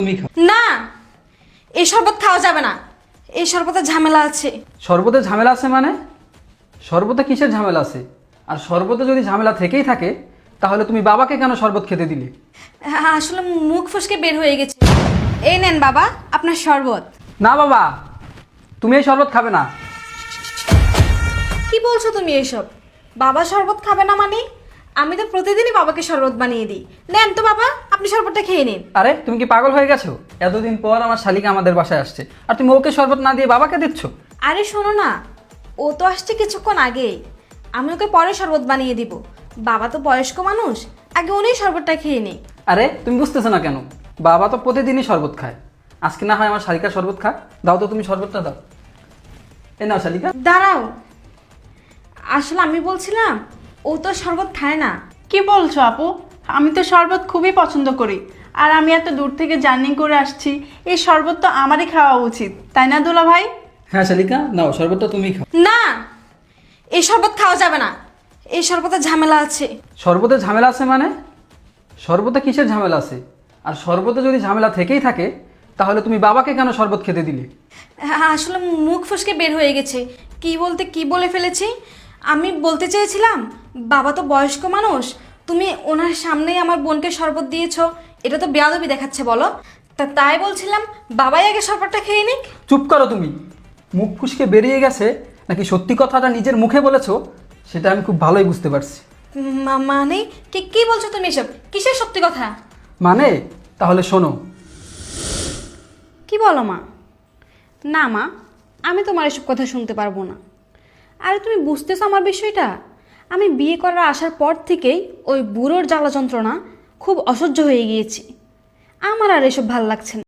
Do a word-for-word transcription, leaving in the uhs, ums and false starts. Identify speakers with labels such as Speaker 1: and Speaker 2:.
Speaker 1: তুমি খাও।
Speaker 2: না, এই শরবত খাওয়া যাবে না। এই শরবতে ঝামেলা আছে।
Speaker 1: শরবতে ঝামেলা আছে মানে? শরবতে কিসের ঝামেলা আছে? আর শরবতে যদি ঝামেলা থেকেই থাকে তাহলে তুমি বাবাকে কেন শরবত খেতে দিলে?
Speaker 2: আসলে মুখ ফসকে বের হয়ে গেছে। এই নেন বাবা আপনার শরবত।
Speaker 1: না বাবা, তুমি এই শরবত খাবে না।
Speaker 2: কি বলছো তুমি এসব? বাবা শরবত খাবে না মানে? আমি তো প্রতিদিনই বাবাকে শরবত বানিয়ে দিই। নেন তো বাবা, আপনি শরবতটা খেয়ে নিন।
Speaker 1: আরে তুমি কি পাগল হয়ে গেছো? এতদিন পর আমার শালিকা আমাদের বাসায় আসছে আর তুমি ওকে শরবত না দিয়ে বাবাকে দিচ্ছ?
Speaker 2: আরে শোনো না, ও তো আসছে কিছুক্ষণ আগেই। আমি ওকে পরে শরবত বানিয়ে দিব। বাবা তো বয়স্ক মানুষ, আগে উনি শরবতটা খেয়ে নিই।
Speaker 1: আরে তুমি বুঝতেছো না কেন? বাবা তো প্রতিদিনই শরবত খায়, আজকে না হয় আমার শালিকার শরবত খা। দাও তো তুমি শরবতটা দাও। এ নাও শালিকা।
Speaker 2: দাঁড়াও, আসলে আমি বলছিলাম ও তো শরবত খায় না।
Speaker 3: কি বলছো আপু? আমি তো শরবত খুবই পছন্দ করি, আর আমি এত দূর থেকে জার্নি করে আসছি, এই শরবত তো আমারই খাওয়া উচিত, তাই না দুলা ভাই?
Speaker 1: হ্যাঁ শালিকা, নাও শরবতটা তুমি খাও।
Speaker 2: না, এই শরবত খাওয়া যাবে না। এই শরবতে ঝামেলা আছে।
Speaker 1: শরবতে ঝামেলা আছে মানে? শরবতে কিসের ঝামেলা আছে? আর শরবতে যদি ঝামেলা থেকেই থাকে তাহলে তুমি বাবাকে কেন শরবত খেতে দিলে?
Speaker 2: আসলে মুখ ফসকে বের হয়ে গেছে। কি বলতে কি বলে ফেলেছি। আমি বলতে চেয়েছিলাম বাবা তো বয়স্ক মানুষ, তুমি ওনার সামনেই আমার বোনকে শরবত দিয়েছো, এটা তো বেয়াদবি দেখাচ্ছে বলো। তা তাই বলছিলাম বাবাই আগে শরবতটা খেয়ে নিক।
Speaker 1: চুপ করো তুমি। মুখ ফুসকে বেরিয়ে গেছে নাকি সত্যি কথাটা নিজের মুখে বলেছো সেটা আমি খুব ভালোই বুঝতে পারছি।
Speaker 2: মা- মানে কি কি বলছো তুমি এসব? কিসের সত্যি কথা?
Speaker 1: মানে তাহলে শোনো।
Speaker 2: কি বলো মা? না মা, আমি তোমার এসব কথা শুনতে পারবো না। আরে তুমি বুঝতেছো আমার বিষয়টা? আমি বিয়ে করার আসার পর থেকেই ওই বুড়োর জ্বালা যন্ত্রণা খুব অসহ্য হয়ে গিয়েছি। আমার আর এসব ভাল লাগছে না।